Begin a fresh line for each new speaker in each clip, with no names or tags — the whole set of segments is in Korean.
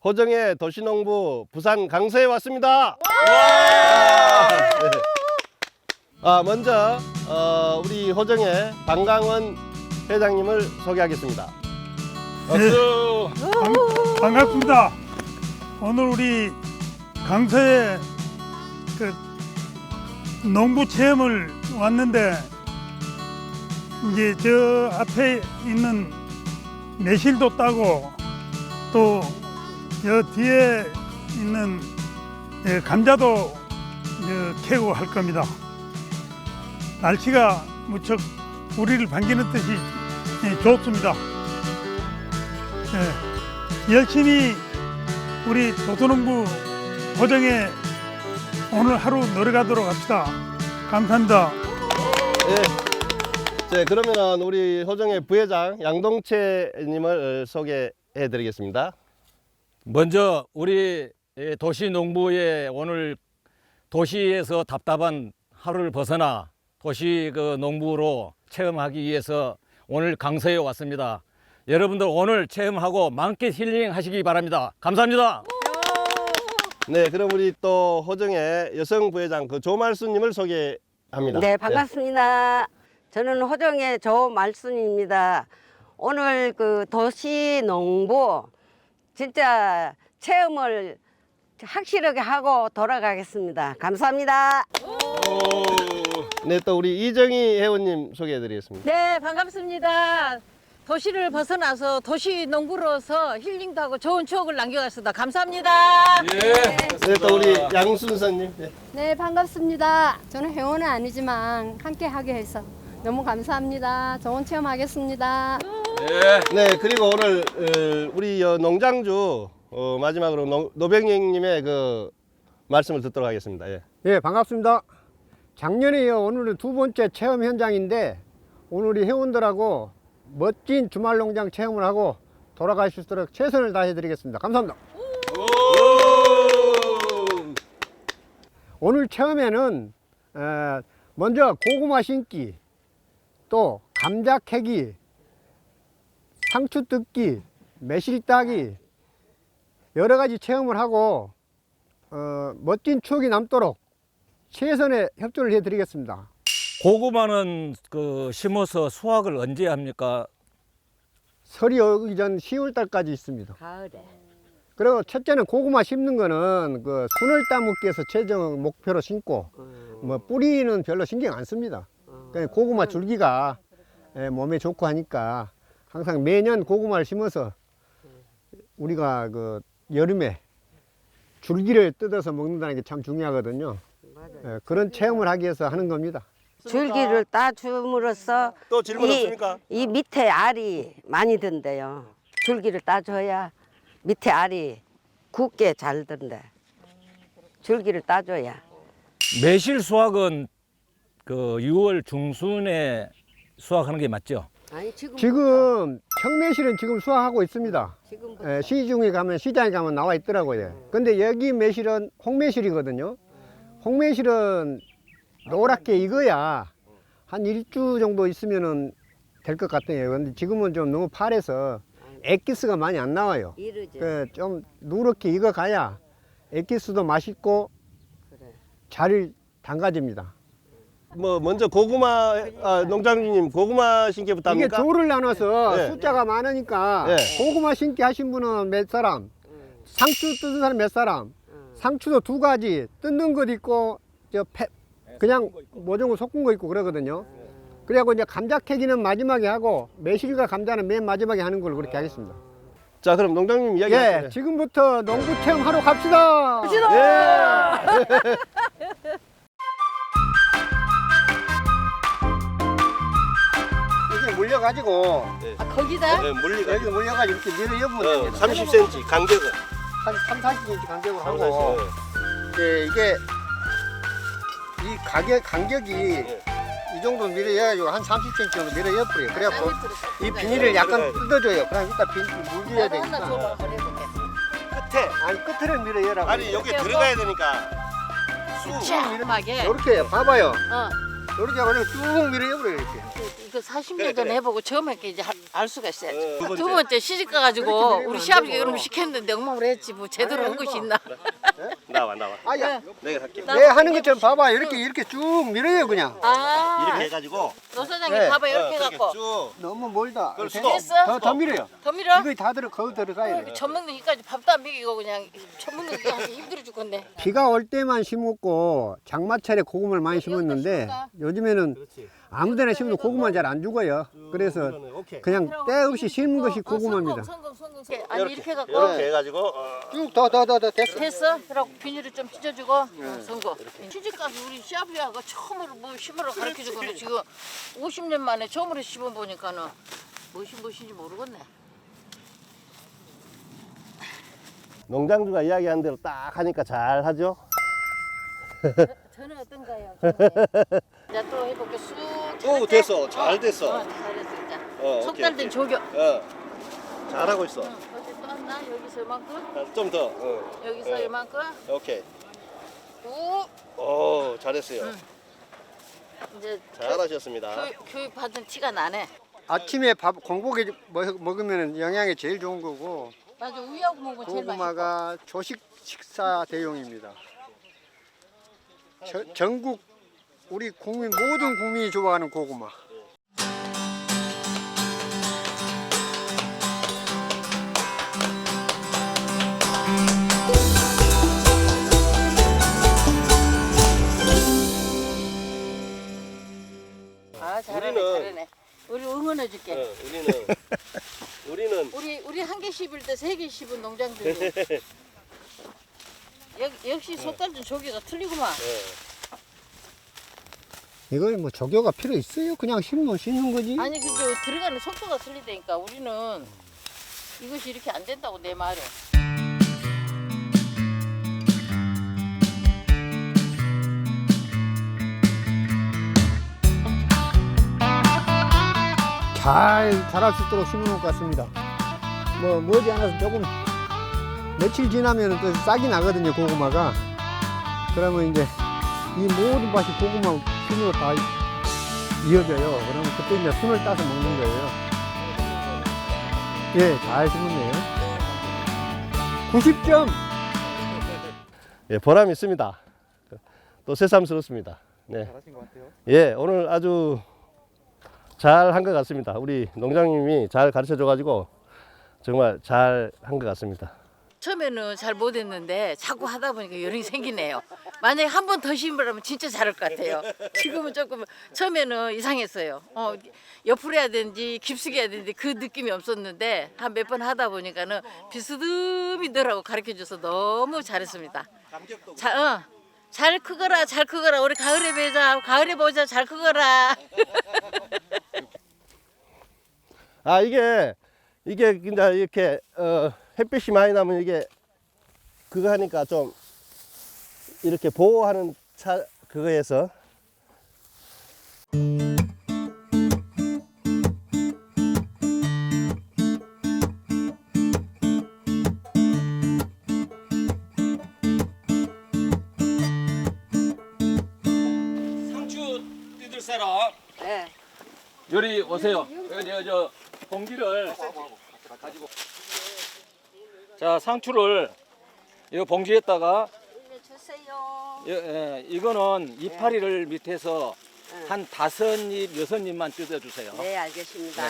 호정의 도시농부 부산 강서에 왔습니다. 네. 먼저 우리 호정의 방강원 회장님을 소개하겠습니다. 박수.
반갑습니다. 오늘 우리 강서에 그 농부 체험을 왔는데 이제 저 앞에 있는 매실도 따고 또 저 뒤에 있는 감자도 캐고 할 겁니다. 날씨가 무척 우리를 반기는 듯이 좋습니다. 열심히 우리 도토농부 호정에 오늘 하루 놀아가도록 합시다. 감사합니다.
네, 그러면은 우리 호정의 부회장 양동채님을 소개해 드리겠습니다.
먼저 우리 도시농부의 오늘 도시에서 답답한 하루를 벗어나 도시 그 농부로 체험하기 위해서 오늘 강서에 왔습니다. 여러분들 오늘 체험하고 만끽 힐링하시기 바랍니다. 감사합니다.
네, 그럼 우리 또 호정의 여성 부회장 그 조말순님을 소개합니다.
네, 반갑습니다. 저는 호정의 조말순입니다. 오늘 그 도시농부 진짜 체험을 확실하게 하고 돌아가겠습니다. 감사합니다.
네, 또 우리 이정희 회원님 소개해 드리겠습니다.
네, 반갑습니다. 도시를 벗어나서 도시 농부로서 힐링도 하고 좋은 추억을 남겨갔습니다. 감사합니다.
네, 또 우리 양순선님. 네.
네, 반갑습니다. 저는 회원은 아니지만 함께 하게 해서 너무 감사합니다. 좋은 체험하겠습니다.
네, 그리고 오늘 우리 농장주 마지막으로 노병영님의 그 말씀을 듣도록 하겠습니다. 예.
예, 반갑습니다. 작년에 이어 오늘은 두 번째 체험 현장인데 오늘 우리 회원들하고 멋진 주말 농장 체험을 하고 돌아갈 수 있도록 최선을 다해 드리겠습니다. 감사합니다. 오늘 체험에는 먼저 고구마 심기, 또 감자 캐기, 상추 뜯기, 매실 따기 여러 가지 체험을 하고 멋진 추억이 남도록 최선의 협조를 해드리겠습니다.
고구마는 그 심어서 수확을 언제 합니까?
설이 오기 전 10월 달까지 있습니다.
가을에.
그리고 첫째는 고구마 심는 거는 그 순을 따먹기 위해서 최종 목표로 심고 뭐 뿌리는 별로 신경 안 씁니다. 그냥 고구마 줄기가 몸에 좋고 하니까 항상 매년 고구마를 심어서 우리가 그 여름에 줄기를 뜯어서 먹는다는 게 참 중요하거든요. 그런 체험을 하기 위해서 하는 겁니다.
줄기를 따줌으로써
또 질문 없습니까?
이 밑에 알이 많이 든대요. 줄기를 따줘야 밑에 알이 굳게 잘 든대. 줄기를 따줘야.
매실 수확은 그 6월 중순에 수확하는 게 맞죠?
아니
지금 청매실은 지금 수확하고 있습니다.
지금부터.
시중에 가면 시장에 가면 나와 있더라고요. 근데 여기 매실은 홍매실이거든요. 홍매실은 노랗게 익어야 한 1주 정도 있으면은 될 것 같아요. 근데 지금은 좀 너무 파래서 액기스가 많이 안 나와요.
이르지.
좀 누렇게 익어가야 액기스도 맛있고 잘 담가집니다.
뭐 먼저 고구마 농장주님 고구마 심기부터
이게
합니까?
조를 나눠서
네.
숫자가 많으니까
네.
고구마 심기 하신 분은 몇 사람, 상추 뜯는 사람 몇 사람, 상추도 두 가지 뜯는 것 있고 그냥 모종을 섞은 거 있고 그러거든요. 그래갖고 이제 감자 캐기는 마지막에 하고 매실과 감자는 맨 마지막에 하는 걸로 그렇게 하겠습니다.
자, 그럼 농장님 이야기
예,
하세요.
지금부터 농부 체험하러 갑시다.
예.
이렇게 물려가지고
거기다?
네, 물리가
여기 물려가지고 이렇게 밀어 엮으면 됩니다.
30cm 간격은
한 3, 40cm 간격으로
3,
하고
40.
이게 이 간격이 이 정도 밀어야가지고 한 30cm 정도 밀어 엮어요. 그래갖고 이 비닐을 약간 뜯어줘요. 그럼 이따 물려야 되니까.
끝에
아니 끝을 밀어 열라고.
아니 여기 들어가야 되니까
쫙하게.
이렇게 봐봐요.
어.
이렇게 하고 쭉 밀어 열어요 이렇게.
이거 40년 전에 해보고 처음에 이제 알 수가 있어야지. 두 번째 시집 가가지고 우리 시아버지가 이런 거 시켰는데 엉망으로 했지 뭐 제대로 한 것이 있나?
나와.
아야,
내가 할게.
내 하는 것처럼 봐봐. 이렇게 쭉 밀어요 그냥.
아,
이렇게 해가지고
노 사장님
네.
봐봐 이렇게
그렇게
해갖고
쭉.
너무 멀다.
그럴 수도.
됐어?
더 밀어요.
더 밀어?
이거 다 거기 들어가야 돼.
젖 먹는 기까지 밥도 안 먹이고 그냥 젖 먹는 기 하기 힘들어 죽겠네.
비가 올 때만 심었고 장마철에 고구마를 많이 심었는데 요즘에는 아무데나 심어도 고구마 잘 안 죽어요. 그래서
오케이.
그냥 때 없이 심은 것이 고구마입니다.
성공. 아니 이렇게 해갖고
이렇게 해가지고
쭉 더 됐어.
됐어? 그러고 비닐을 좀 찢어주고 성공. 시집가서 우리 시아버지가 처음으로 뭐 심으러 가르쳐주고 지금 50년 만에 처음으로 심어보니까는 무엇인지 모르겠네.
농장주가 이야기한 대로 딱 하니까 잘 하죠.
저는 어떤가요? 이제 또 해볼게 쑥.
오, 됐어. 잘 됐어.
잘했어 이제.
오케이,
속달된
오케이.
조교.
잘하고 있어.
어디 또 하나? 여기서 이만큼?
좀 더.
여기서 이만큼?
오케이.
우.
오, 잘했어요.
이제
잘하셨습니다.
교육 받은 티가 나네.
아침에 밥 공복에 먹으면 영양이 제일 좋은 거고
맞아 우유하고 먹으면 제일 맛있어.
고구마가 조식 식사 대용입니다. 전국 우리 국민 모든 국민이 좋아하는 고구마.
아 잘하네 잘하네. 우리 응원해줄게.
우리는
우리 한 개 씹을 때 세 개 씹은 농장들이. 역시 속달된 조개가 틀리구만.
이거 뭐 조교가 필요 있어요? 그냥 심는 거지.
아니 그게 들어가는 속도가 틀리다니까. 우리는 이것이 이렇게 안 된다고 내 말은.
잘 자랄 수 있도록 심어놓을 것 같습니다. 뭐 머지않아서 조금 며칠 지나면 또 싹이 나거든요, 고구마가. 그러면 이제 이 모든 밭이 고구마 순으로 다 이어져요. 그러면 그때 이제 순을 따서 먹는 거예요. 예, 잘 심었네요. 90점!
예, 보람 있습니다. 또 새삼스럽습니다. 네.
잘하신 것 같아요.
예, 오늘 아주 잘 한 것 같습니다. 우리 농장님이 잘 가르쳐 줘가지고 정말 잘 한 것 같습니다.
처음에는 잘 못했는데 자꾸 하다 보니까 요령이 생기네요. 만약에 한 번 더 심으라면 진짜 잘할 것 같아요. 지금은 조금 처음에는 이상했어요. 옆으로 해야 되는지 깊숙이 해야 되는지 그 느낌이 없었는데 한 몇 번 하다 보니까는 비스듬히더라고 가르쳐줘서 너무 잘했습니다. 잘 크거라 잘 크거라 우리 가을에 보자 잘 크거라.
아, 이게 이제 이렇게 햇빛이 많이 나면 이게 그거 하니까 좀 이렇게 보호하는 그거에서
상추 뜯을 사람
네.
요리 오세요. 저 봉지를 가지고. 자 상추를 이 봉지에다가
주세요.
이거는 이파리를 밑에서 한 5입, 6입만 뜯어주세요.
네, 알겠습니다.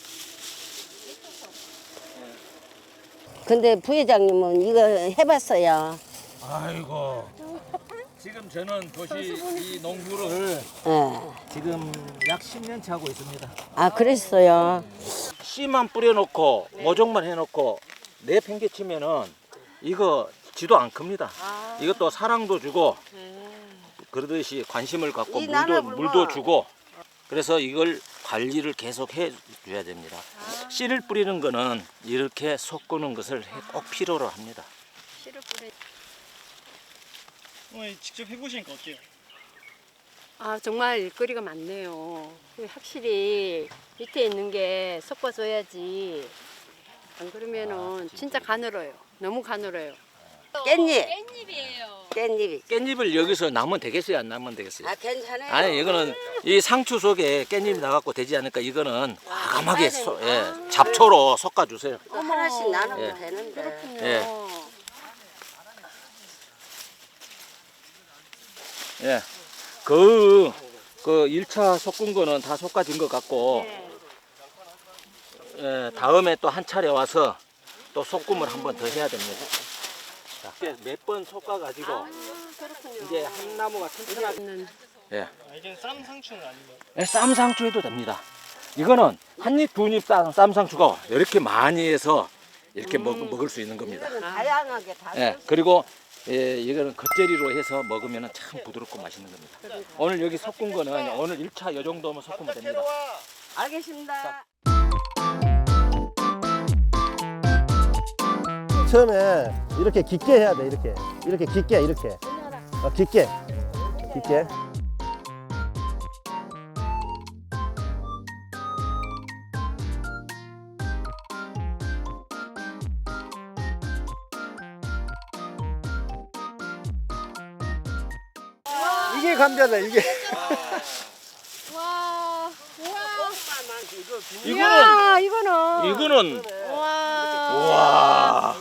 근데 부회장님은 이거 해봤어요.
아이고. 지금 저는 도시 이 농부를
네.
지금 약 10년째 하고 있습니다.
아, 그랬어요.
씨만 뿌려놓고 모종만 해놓고 내팽개치면은 이거 지도 안 큽니다. 이것도 사랑도 주고 그러듯이 관심을 갖고
이 나눠
물도 주고 그래서 이걸 관리를 계속 해줘야 됩니다. 씨를 뿌리는 거는 이렇게 섞는 것을 꼭 필요로 합니다.
어머니 직접 해보시니까 어때요?
아, 정말 일거리가 많네요. 확실히 밑에 있는 게 섞어줘야지. 안 그러면은 진짜 가늘어요. 너무 가늘어요.
깻잎.
깻잎이에요.
깻잎이.
깻잎을 여기서 나면 되겠어요? 안 나면 되겠어요?
아 괜찮아요.
아니 이거는 이 상추 속에 깻잎이 나갖고 되지 않을까. 이거는 과감하게 잡초로 섞어주세요.
이거 하나씩 나눠도
예.
되는데.
예. 예. 그 1차 섞은 거는 다 섞어진 것 같고, 예, 다음에 또 한 차례 와서 또 섞음을 한 번 더 해야 됩니다. 몇 번 섞어가지고, 이제 한 나무가 튼튼하게. 예.
아, 이게 쌈 상추는 아니고.
예, 쌈상추 해도 됩니다. 이거는 한 입, 두 입 쌈상추가 이렇게 많이 해서 이렇게 먹을 수 있는 겁니다.
이거는 다양하게 다.
예, 그리고 예, 이거는 겉절이로 해서 먹으면 참 부드럽고 맛있는 겁니다. 오늘 여기 섞은 거는 오늘 1차 이 정도면 섞으면 됩니다.
알겠습니다.
처음에 이렇게 깊게 해야 돼. 이렇게 깊게 이렇게. 깊게.
이게 감자다 이게.
와,
이거는
이거는
와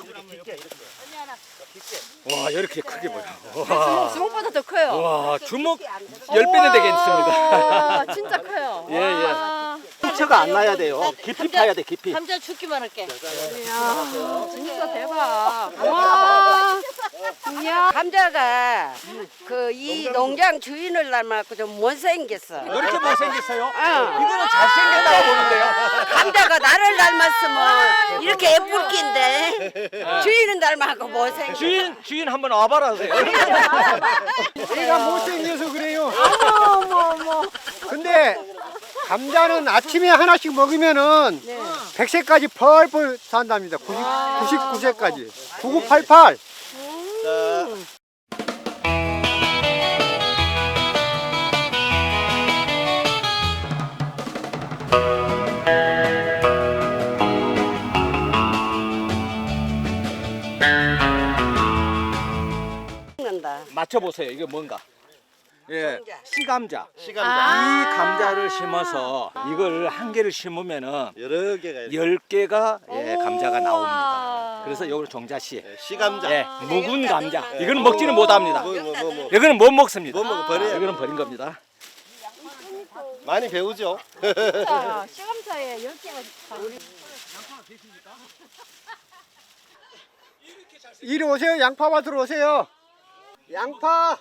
이렇게 크게 보여.
주먹보다 더 커요.
와 주먹 10배는 되겠습니다.
와, 진짜 커요.
예, 예.
와.
상처가 안 나야 돼요. 깊이 파야 돼, 깊이.
감자 죽기만 할게.
이야, 진짜 대박. 와. 이야.
감자가 그 이 농장 주인을 닮아갖고 좀 못생겼어.
왜 이렇게 못생겼어요?
어.
이거는 잘생겼다고 보는데요.
감자가 나를 닮았으면 이렇게 예쁠 낀데 주인은 닮아갖고 못생겼어.
주인 한번 와봐라 하세요.
내가 못생겨서 그래요.
어머.
근데 감자는 아침에 하나씩 먹으면은 100세까지 펄펄 산답니다. 99세까지. 9988.
먹는다.
맞춰보세요. 이게 뭔가? 예, 시감자. 이
시간다.
감자를 심어서 이걸 한 개를 심으면은
여러 개가 이렇게.
10개가 감자가 나옵니다. 그래서 이걸 종자씨.
시감자.
예, 묵은 감자. 이거는 먹지는 못합니다.
뭐.
이거는 못 먹습니다.
못 먹어, 버려야 돼.
이거는 버린 겁니다.
많이 배우죠.
진짜 시감차에 10개가
이리 오세요. 양파밭으로 오세요. 양파.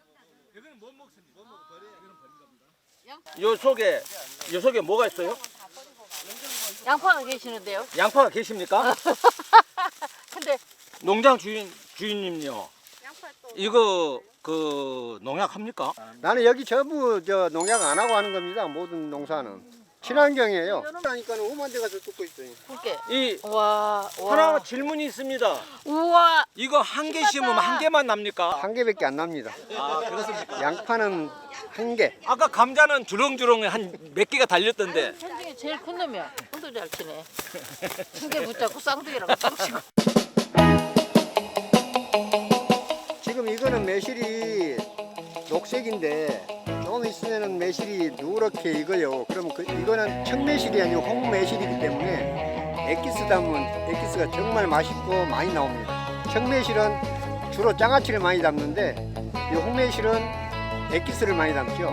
요 속에 뭐가 있어요?
양파가 계시는데요.
양파가 계십니까?
근데
농장 주인님요. 이거 그 농약 합니까?
나는 여기 전부 저 농약 안 하고 하는 겁니다. 모든 농사는. 친환경이에요. 그러니까 오만 대 가서 뜯고 있어요.
굵게.
이
와.
하나 질문이 있습니다.
우와.
이거 한 개 심으면 한 개만 납니까?
한 개밖에 안 납니다.
아 그렇습니까?
양파는 한 개.
아까 감자는 주렁주렁 한 몇 개가 달렸던데.
현중에 제일 큰 놈이야. 손도 잘 치네. 두 개 붙잡고 쌍둥이랑 쌍치고.
지금 이거는 매실이 녹색인데 조금 있으면은 매실이 누렇게 익어요. 그러면 이거는 청매실이 아니고 홍매실이기 때문에 액기스 담으면 액기스가 정말 맛있고 많이 나옵니다. 청매실은 주로 장아찌를 많이 담는데 이 홍매실은 액기스를 많이 담죠.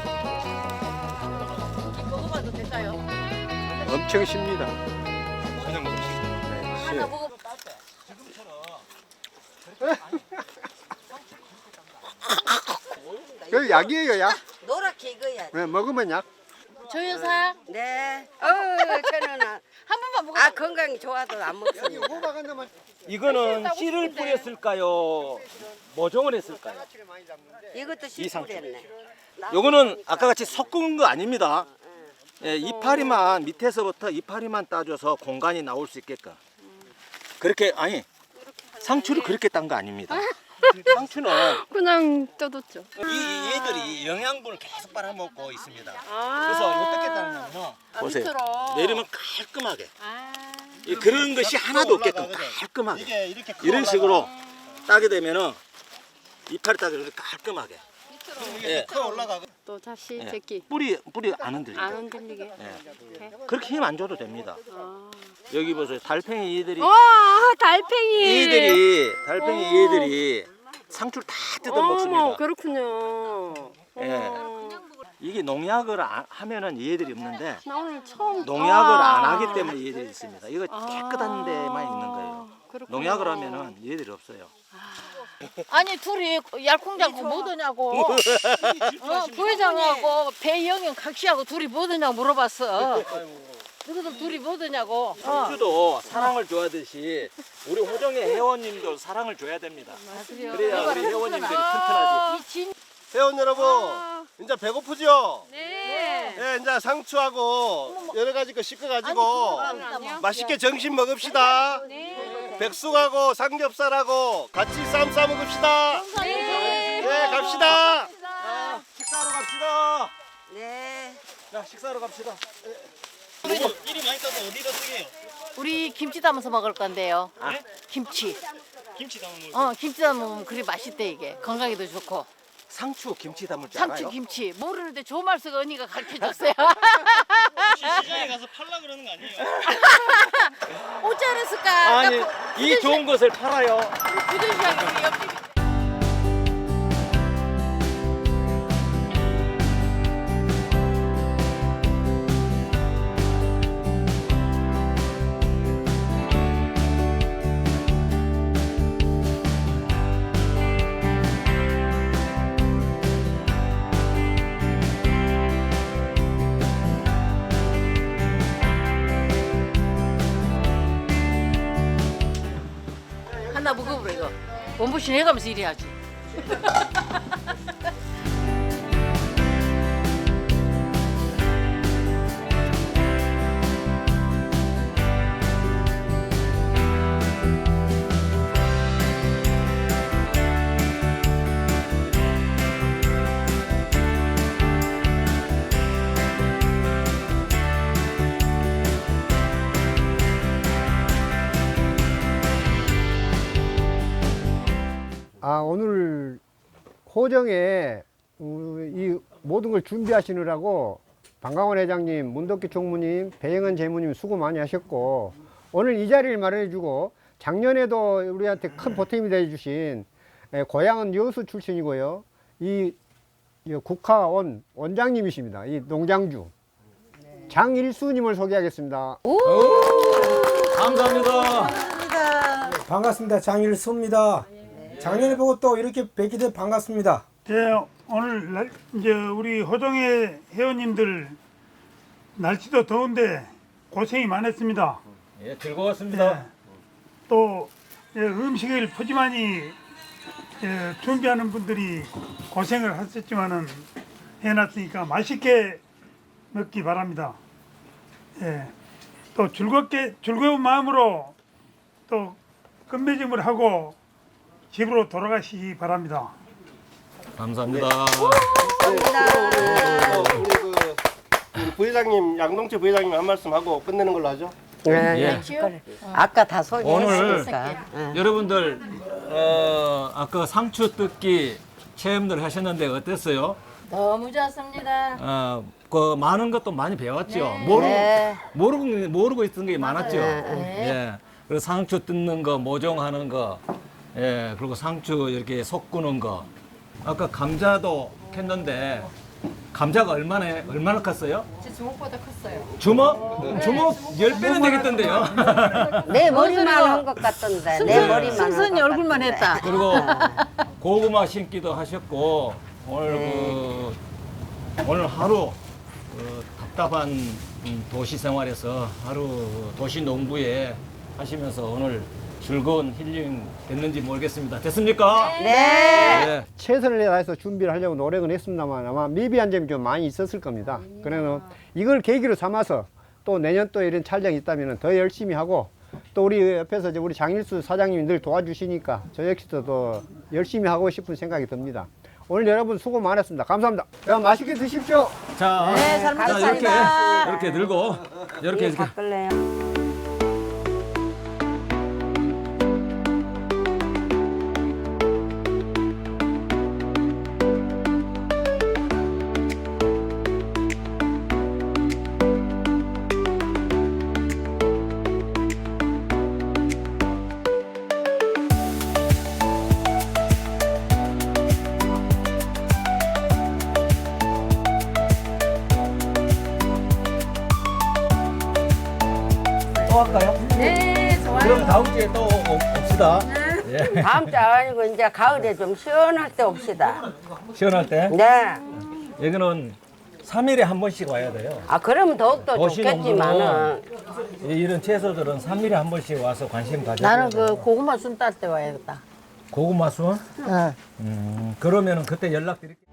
먹어봐도 될까요?
엄청 쉽니다.
그냥 먹으시죠.
하나 먹어.
그 약이에요, 약.
노랗게 익어야.
네, 먹으면 약.
저 여사
네. 저는
한 번만 먹어.
건강이 좋아도 안 먹습니다.
호박 한 대만.
이거는 씨를 뿌렸을까요? 모종을 했을까요?
이것도
이 상추.
씨뿌렸네.
요거는 아까 같이 섞은 거 아닙니다. 예, 이파리만 밑에서부터 이파리만 따줘서 공간이 나올 수 있게끔. 그렇게 아니 상추를 그렇게 딴 거 아닙니다. 상추는
그냥 뜯었죠.
이 얘들이 영양분을 계속 빨아먹고 있습니다. 그래서 어떻게 따느냐면요. 보세요.
밑으로.
내리면 깔끔하게. 그런 것이 하나도 없게끔 깔끔하게.
이게 이렇게
이런 식으로 따게 되면은 이파리 따게 이렇게 깔끔하게. 예.
또 다시
예.
제끼
뿌리 안 흔들리게.
안 흔들리게.
예. 그렇게 힘 안 줘도 됩니다. 여기 보세요. 달팽이 얘들이
와 달팽이.
달팽이 얘들이 상추를 다 뜯어 먹습니다.
어머 그렇군요.
예. 이게 농약을 하면은 얘들이 없는데
나 오늘 처음
농약을 안 하기 때문에 얘들이 있습니다. 이거 깨끗한 데만 있는 거예요.
그렇구나.
농약을 하면은 얘들이 없어요.
아니 둘이 얄콩잡고 못 오냐고. 부회장하고 배영영 각시하고 둘이 못 오냐고 물어봤어. 너희들 둘이 못 오냐고.
상추도 사랑을 줘야듯이 우리 호정의 회원님도 사랑을 줘야 됩니다. 그래야 우리 회원님들이 튼튼하지.
이 진.
회원 여러분, 이제 배고프죠?
네.
예, 이제 상추하고 여러 가지 거 씻어가지고 맛있게 점심 먹읍시다. 백숙하고 삼겹살하고 같이 쌈 싸 먹읍시다. 네, 갑시다.
식사하러 갑시다.
네.
자, 식사하러 갑시다.
미리 많이 따서 어디다 쓰게요?
우리 김치 담아서 먹을 건데요. 김치.
김치 담아 먹을
김치 담으면 그리 맛있대 이게. 건강에도 좋고.
상추 김치 담을 줄
상추
알아요?
김치 모르는데 조말수가 언니가 가르쳐줬어요.
혹시 시장에 가서 팔라 그러는 거 아니에요?
어찌 알았을까?
아니, 이 좋은 것을 팔아요.
부전시장이 옆집. 하나 먹어보라 이거. 원부신 해가면서 일해야지.
오늘 호정에 이 모든 걸 준비하시느라고 방강원 회장님, 문덕기 총무님, 배영은 재무님 수고 많이 하셨고, 오늘 이 자리를 마련해주고 작년에도 우리한테 큰 보탬이 되어주신 고향은 여수 출신이고요. 이 국화원 원장님이십니다. 이 농장주 장일수님을 소개하겠습니다.
감사합니다.
반갑습니다. 장일수입니다. 작년에 보고 또 이렇게 뵙게 돼 반갑습니다.
오늘 이제 우리 호정의 회원님들 날씨도 더운데 고생이 많았습니다.
예, 즐거웠습니다.
또 음식을 푸짐하니 준비하는 분들이 고생을 하셨지만은 해놨으니까 맛있게 먹기 바랍니다. 또 즐거운 마음으로 또 끝맺음을 하고 집으로 돌아가시기 바랍니다.
감사합니다.
우리 부회장님, 양동채 부회장님 한 말씀 하고 끝내는 걸로 하죠.
네. 그래. 아까 다
오늘
소개했으니까.
여러분들 아까 상추 뜯기 체험들 하셨는데 어땠어요?
너무 좋았습니다.
그 많은 것도 많이 배웠죠.
네.
모르고 있던 게 많았죠.
네.
예. 그리고 상추 뜯는 거, 모종하는 거, 예. 그리고 상추 이렇게 섞는 거. 아까 감자도 캤는데 감자가 얼마나 컸어요?
제 주먹보다 컸어요.
주먹 10배는 되겠던데요.
내 머리만 한 것 같던데. 내 머리만
승선이 얼굴만 했다.
그리고 고구마 심기도 하셨고 오늘 하루 답답한 도시 생활에서 하루 도시 농부에 하시면서 오늘 즐거운 힐링 됐는지 모르겠습니다. 됐습니까?
네.
최선을 다해서 준비를 하려고 노력은 했습니다만 아마 미비한 점이 좀 많이 있었을 겁니다. 그래서 이걸 계기로 삼아서 또 내년 또 이런 촬영이 있다면 더 열심히 하고, 또 우리 옆에서 이제 우리 장일수 사장님이 늘 도와주시니까 저 역시도 더 열심히 하고 싶은 생각이 듭니다. 오늘 여러분 수고 많았습니다. 감사합니다. 그럼 맛있게 드십시오.
자,
네, 잘 먹겠습니다.
이렇게 들고 이렇게
바꿀래요.
또 할까요?
네, 좋아요.
그럼 다음 주에 또 옵시다. 예.
다음 주 아니고 이제 가을에 좀 시원할 때 옵시다.
시원할 때.
네.
여기는 3일에 한 번씩 와야 돼요.
아 그러면 더욱더
도시
좋겠지만은
이런 채소들은 3일에 한 번씩 와서 관심 가져야
나는 그 고구마 순 딸 때 와야겠다.
고구마 순? 그러면은 그때 연락드릴게요.